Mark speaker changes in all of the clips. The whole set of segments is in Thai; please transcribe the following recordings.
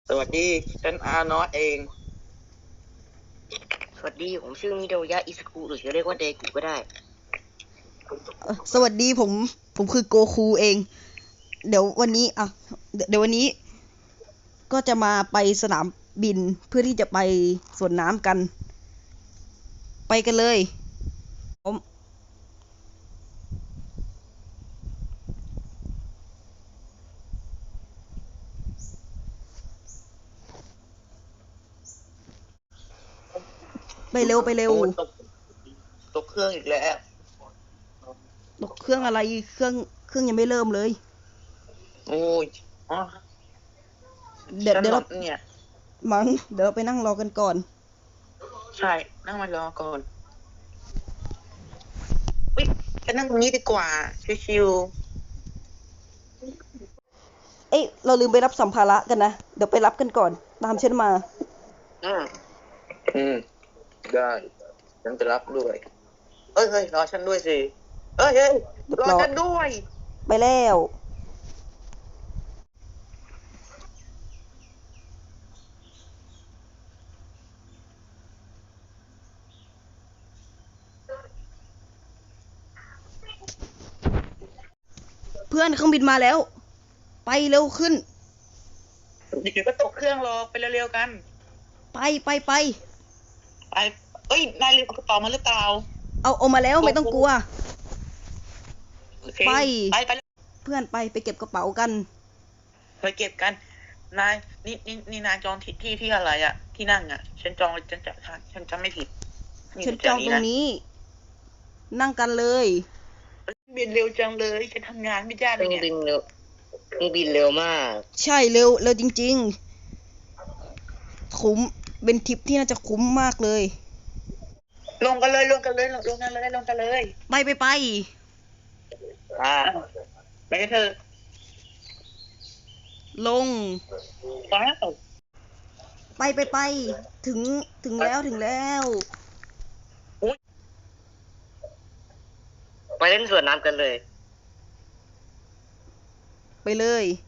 Speaker 1: สวัสดีฉันอาร์นอตเอง
Speaker 2: สวัสดีผมชื่อมิโดยะอิสกุหรือจะเรียกว่าเดกุก็ได้
Speaker 3: สวัสดีผมคือโกคูเอง เดี๋ยววันนี้เดี๋ยววันนี้ก็จะมาไปสนามบินเพื่อที่จะไปสวนน้ำกัน ไปกันเลยผมไปเร็วไปเร็ว
Speaker 1: โอ้ตกเครื่องอีกแล้ว
Speaker 3: ตกเครื่องอะไรเครื่องยังไม่เริ่มเลย
Speaker 1: โอ้ยอ๋อ
Speaker 3: เดี๋ยว
Speaker 1: ฉันหล
Speaker 3: เดี๋ยวเรา
Speaker 1: บเนี่ย
Speaker 3: เดี๋ยวเราไปนั่งรอกันก่อน
Speaker 1: ใช่นั่งมารอก่อนอุ๊ยฉันนั่งตรงนี้ดีกว่าชิว
Speaker 3: เอ้ยเราลืมไปรับสัมภาระกันนะเดี๋ยวไปรับกันก่อนตามฉันมา
Speaker 1: ๆได้ฉันจะรับด้วยเฮ้ยรอฉันด้วยสิเฮ้ยรอฉันด้วย
Speaker 3: ไปแล้วเพื่อนเครื่องบินมาแล้ว ไปเร็วขึ้น
Speaker 1: เดี๋ยวก็ตกเครื่องรอไปเร็วๆกัน
Speaker 3: ไป
Speaker 1: ไปเอ้ยนายลืมเอากระเป๋ามาหรือเปล่า
Speaker 3: เอามาแล้วไม่ต้องกลัว
Speaker 1: โอเค
Speaker 3: ไป
Speaker 1: ไป
Speaker 3: เพื่อนไปเก็บกระเป๋ากัน
Speaker 1: ไปเก็บกันนายนี่นายจองที่อะไรอ่ะที่นั่งอ่ะฉันจองฉันจำไม่ผิด
Speaker 3: ฉันจองตรงนี้ นั่งกันเลย
Speaker 1: บินเร็วจังเลยฉันทำงานไม่ได้เลยเนี่ย
Speaker 2: เครื่องบินเร็วมาก
Speaker 3: ใช่เร็วจริงๆคุ้มเป็นทริปที่น่าจะคุ้มมากเลย
Speaker 1: ลงกันเลยลงกันเลย
Speaker 3: ไป
Speaker 1: อ่าไปกันเถอะ
Speaker 3: ลง
Speaker 1: ว้าว
Speaker 3: ไปถึงแล้ว
Speaker 2: ไปเล่นสวนน้ำกันเลย
Speaker 3: ไปเลย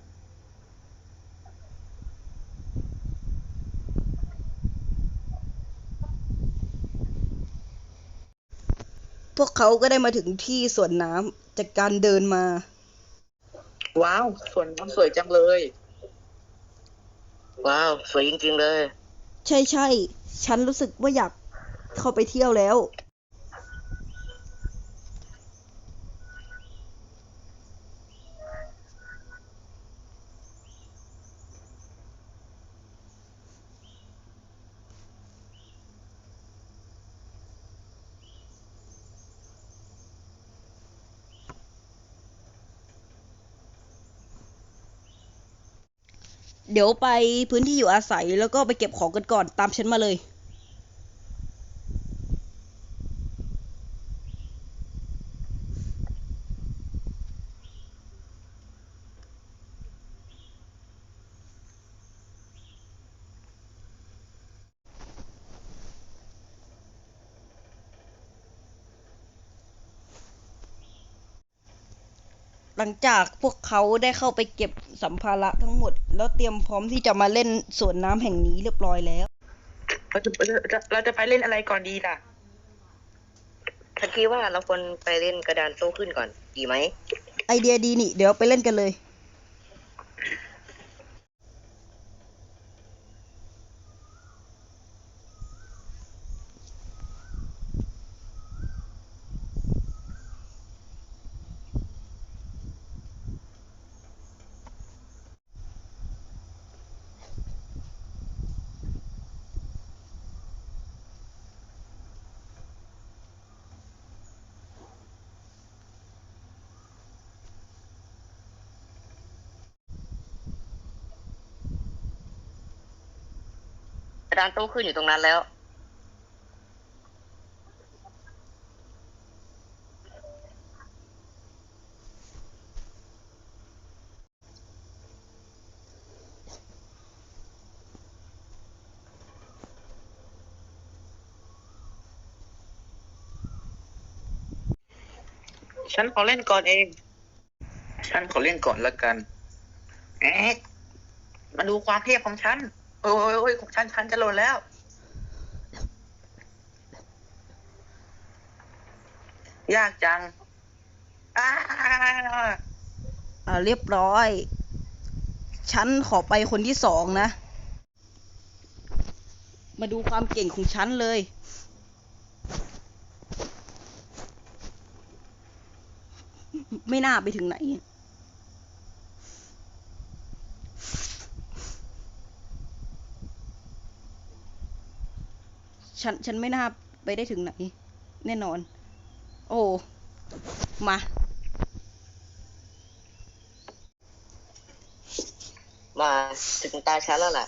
Speaker 3: พวกเขาก็ได้มาถึงที่สวนน้ำจากการเดินมา
Speaker 1: ว้าวสวนน้ำสวยจังเลย
Speaker 2: ว้าวสวยจริงๆเลย
Speaker 3: ใช่ฉันรู้สึกว่าอยากเข้าไปเที่ยวแล้ว เดี๋ยวไปพื้นที่อยู่อาศัยแล้วก็ไปเก็บของกันก่อนตามฉันมาเลย หลังจากพวกเขาได้เข้าไปเก็บสัมภาระทั้งหมดแล้วเตรียมพร้อมที่จะมาเล่นสวนน้ำแห่งนี้เรียบร้อยแล้ว
Speaker 1: เราจะไปเล่นอะไรก่อนดีล่ะ
Speaker 2: ฉันคิดว่าเราควรไปเล่นกระดานโต้ขึ้นก่อนดีไหม
Speaker 3: ไอเดียดีนี่เดี๋ยวไปเล่นกันเลย
Speaker 2: กระดานโต้ขึ้นอยู่ตรงนั้นแล้ว
Speaker 1: ฉันขอเล่นก่อนเองฉันขอเล่นก่อนละกันเอ๊ะมาดูความเทพของฉันโอ้ยโอ้ยของฉันจะหล่นแล้วยากจังอ้า
Speaker 3: เรียบร้อย ฉันขอไปคนที่2นะ มาดูความเก่งของฉันเลย ไม่น่าไปถึงไหน ฉันไม่น่าไปได้ถึงไหน แน่นอน โอ้ มา
Speaker 2: มาถึงตาฉันแล้วล่ะ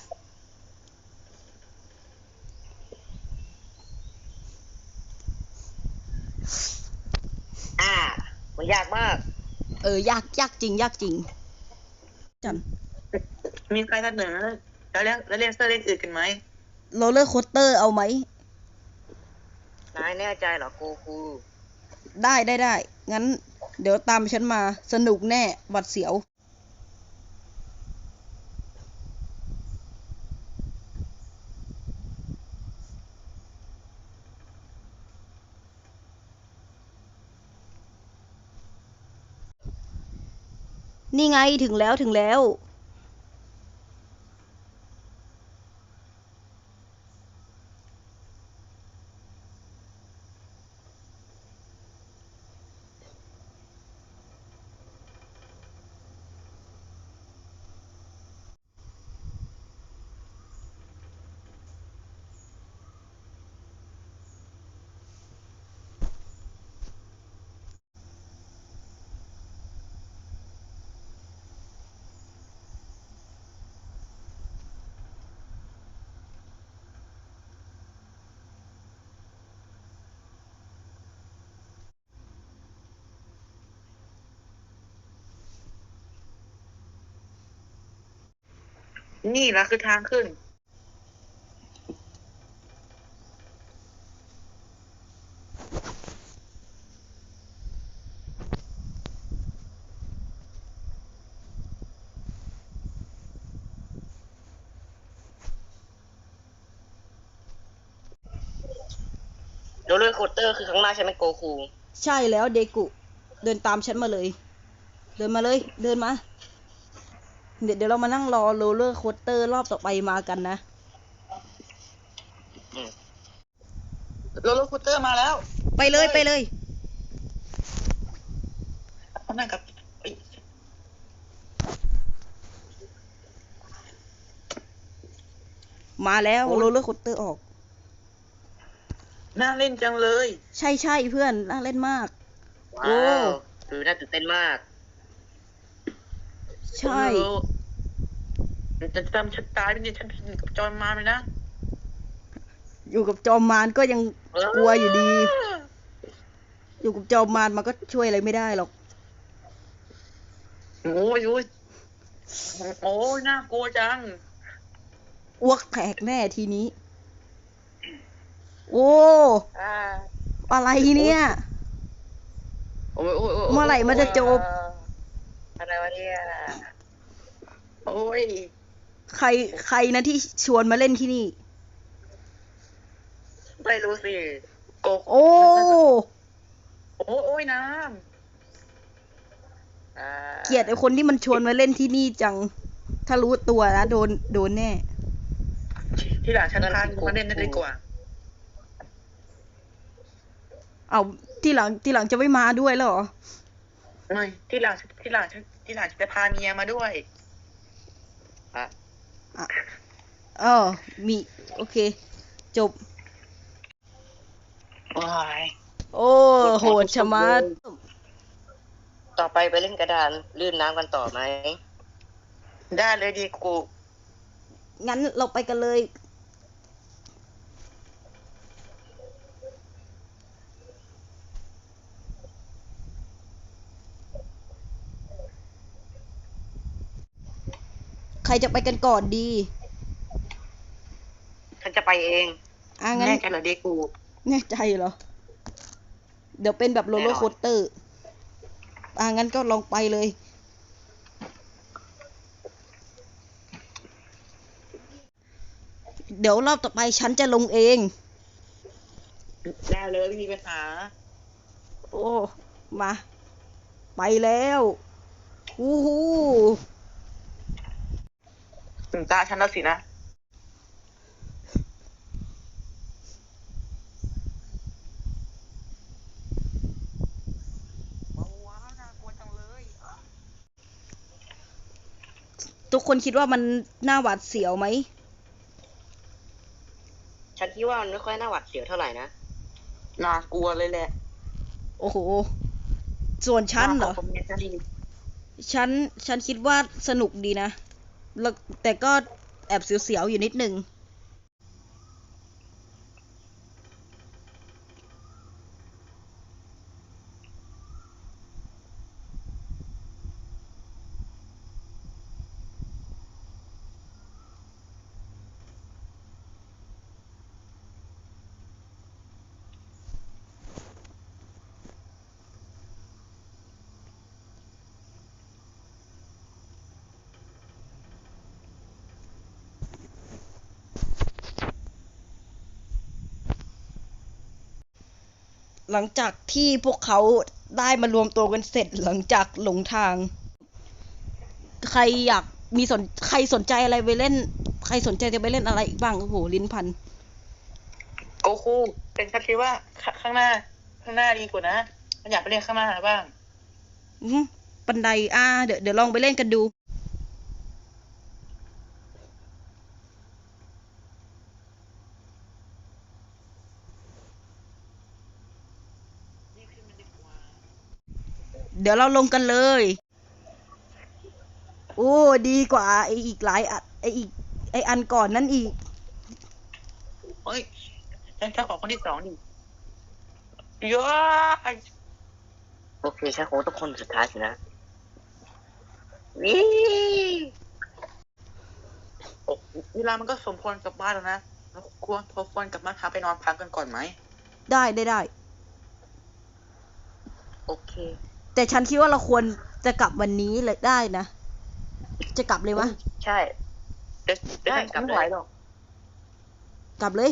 Speaker 2: มันยากมาก
Speaker 3: ยากจริง ยากจริง จัน
Speaker 1: มีใครเสนอแล้วเล่นเซอร์เล่นอื่นกันไหม
Speaker 3: โรลเลอร์โคสเตอร์เอาไหม
Speaker 2: นายแน่ใจเหรอโกคู
Speaker 3: ได้ งั้น เดี๋ยวตามฉันมา สนุกแน่ หวัดเสียว นี่ไงถึงแล้ว
Speaker 1: นี่แหละคือทางขึ้น
Speaker 2: โรลเลอร์โคสเตอร์คือข้างหน้าใช่ไหมโกคู
Speaker 3: ใช่แล้วเดกุ เดินตามฉันมาเลย เดินมาเลย เดินมา เดี๋ยวเรามานั่งรอโรลเลอร์โคสเตอร์รอบต่อไปมากันนะ
Speaker 1: โรลเลอร์คูเตอร์มาแล้ว
Speaker 3: ไปเลย
Speaker 1: เขานั่งกับเอ้ย
Speaker 3: มาแล้วโรลเลอร์โคสเตอร์ออก
Speaker 1: น่าเล่นจังเลย
Speaker 3: ใช่เพื่อนน่าเล่นมาก โอ้
Speaker 2: ว้าวดูน่าตื่นเต้นมาก
Speaker 3: ใช่
Speaker 1: โอ้โหจะจำฉันตายไปเนี่ยฉันผิดกับจอห์นมาเลยนะ
Speaker 3: อยู่กับจอมมารก็ยังกลัวอยู่ดี อยู่กับจอมมารมันก็ช่วยอะไรไม่ได้หรอก
Speaker 1: โอ้ยโอ้ยโอ้ยน่ากลัวจัง
Speaker 3: อ้วกแตกแน่ทีนี้ โอ้
Speaker 2: อ่า
Speaker 3: อะไรเนี่ย
Speaker 1: โอ้ยโอ้ยโอ้ย
Speaker 3: เมื่อไหร่มันจะจบ
Speaker 2: อะไรวะเนี่ย
Speaker 1: โอ้ย
Speaker 3: ใครนะที่ชวนมาเล่นที่นี่
Speaker 2: ไม่รู้สิ
Speaker 1: โก
Speaker 3: โอ้
Speaker 1: โอ้ยน้
Speaker 2: อ่า
Speaker 3: เกลียดไอ้คนที่มันชวนมาเล่นที่นี่จัง ถ้ารู้ตัวนะโดนแน่
Speaker 1: ำที่หลังฉันพามาเล่นได้ดีกว่า
Speaker 3: เอาที่หลังจะไม่มาด้วยแล้วเหรอ
Speaker 1: ไม่ที่หลังฉันจะพาเมียมาด้วย
Speaker 3: มีโอเค จบ
Speaker 1: โอ้ย
Speaker 3: โอ้โหดชะมัด
Speaker 2: ต่อไปเล่นกระดานลื่นน้ำกันต่อไหม
Speaker 1: ได้เลยดีกู
Speaker 3: งั้นเราไปกันเลย ใครจะไปกันก่อนดี
Speaker 2: ฉันจะไปเอง
Speaker 3: งั้น
Speaker 1: แน่ใจเหรอดีกู
Speaker 3: แน่ใจเหรอ เดี๋ยวเป็นแบบโรลเลอร์โคสเตอร์ งั้นก็ลองไปเลยเดี๋ยวรอบต่อไปฉันจะลงเอง
Speaker 1: ได้เลยไม่มีปัญหา
Speaker 3: โอ้ มา ไปแล้ววู้ฮู้
Speaker 1: ถึงตาฉันแล้วสินะว้าวน่ากลัวจังเลย
Speaker 3: ทุกคนคิดว่ามันน่าหวาดเสียวไหม
Speaker 2: ฉันคิดว่ามันไม่ค่อยน่าหวาดเสียวเท่าไหร่นะ
Speaker 1: น่ากลัวเลยแหละ
Speaker 3: โอ้โห ส่วนฉันเหรอ
Speaker 1: ผมเนี่ยจะดี
Speaker 3: ฉันคิดว่าสนุกดีนะแล้วแต่ก็แอบเสียวๆอยู่นิดนึง หลังจากที่พวกเขาได้มารวมตัวกันเสร็จหลังจากหลงทาง ใครอยากมีใครสนใจอะไรไปเล่น ใครสนใจจะไปเล่นอะไรอีกบ้างโอ้โหลิ้นพัน
Speaker 1: โกคูเป็นฉันคิดว่าข้างหน้าดีกว่านะฉันอยากไปเรียนข้างหน้าบ้าง
Speaker 3: บันไดเดี๋ยวลองไปเล่นกันดู
Speaker 1: นี่ขึ้นมันดีกว่า
Speaker 3: เดี๋ยวเราลงกันเลย โอ้ดีกว่าไออีกหลายอันไออันก่อนนั่นอีก
Speaker 1: เฮ้ยฉันจะขอคนที่สองดิย้อย
Speaker 2: โอเคฉันคงต้องคนสุดท้ายสินะนี่
Speaker 1: โอ้เวลามันก็สมควรกลับบ้านแล้วนะเราควรกลับบ้านพักไปนอนพักกันก่อนไหม
Speaker 3: ได้
Speaker 1: โอเค
Speaker 3: แต่ฉันคิดว่าเราควรจะกลับวันนี้เลยได้นะ จะกลับเลยวะ
Speaker 2: ใช่
Speaker 1: เดี๋ยว
Speaker 2: ได้
Speaker 1: ฉัน
Speaker 2: กลับเลย
Speaker 1: ไม่ไหวหรอก
Speaker 3: กลับเลย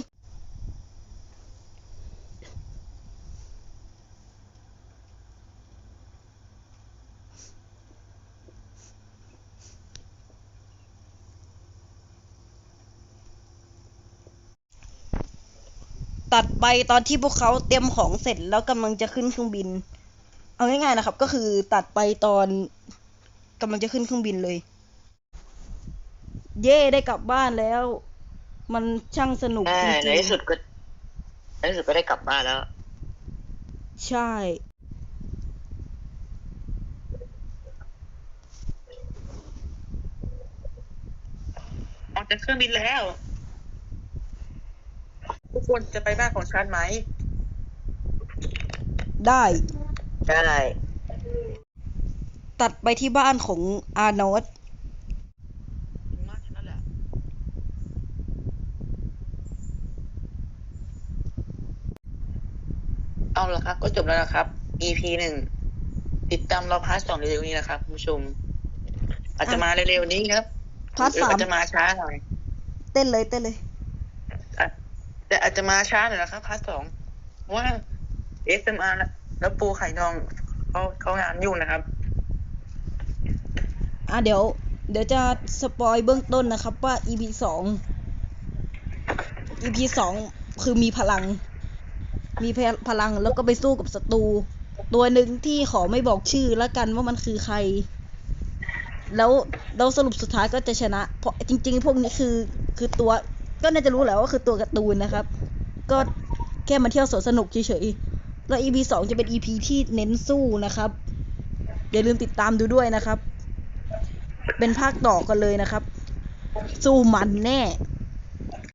Speaker 3: ตัดไปตอนที่พวกเขาเตรียมของเสร็จแล้วกำลังจะขึ้นเครื่องบิน เอาง่ายๆนะครับ ก็คือตัดไปตอนกำลังจะขึ้นเครื่องบินเลย เย่ได้กลับบ้านแล้ว มันช่างสนุกจริง
Speaker 2: ในที่สุดก็ได้กลับบ้านแล้ว
Speaker 3: ๆใช่
Speaker 1: ออกจากเครื่องบินแล้ว ทุกคนจะไปบ้านของฉันไหม
Speaker 3: ได้
Speaker 2: ได้
Speaker 3: ตัดไปที่บ้านของอาร์โนส
Speaker 1: บ้านฉันนั่นแหละ เอาละครับ ก็จบแล้วนะครับ EP 1 ติดตามเราพาร์ท 2เร็วๆนี้นะครับคุณผู้ชม อาจจะมาเร็วๆนี้ครับ
Speaker 3: พาร์ท
Speaker 1: หรือ
Speaker 3: สาม
Speaker 1: อาจจะมาช้าหน่อย
Speaker 3: เต้นเลย
Speaker 1: แต่อาจจะมาช้าหน่อยนะครับพาร์ท 2เพราะว่า SMR แล้วปูไข่ทองเขางานยุ่งนะครับ
Speaker 3: เดี๋ยวจะสปอยเบื้องต้นนะครับว่า EP 2 คือมีพลังแล้วก็ไปสู้กับศัตรูตัวหนึ่งที่ขอไม่บอกชื่อแล้วกันว่ามันคือใคร แล้วสรุปสุดท้ายก็จะชนะ เพราะจริงๆ พวกนี้คือตัวก็น่าจะรู้แหละว่าคือตัวการ์ตูนนะครับ ก็แค่มาเที่ยวสวนสนุกเฉยๆแล้ว EP 2 จะเป็น EP ที่เน้นสู้นะครับ อย่าลืมติดตามดูด้วยนะครับ เป็นภาคต่อกันเลยนะครับ สู้มันแน่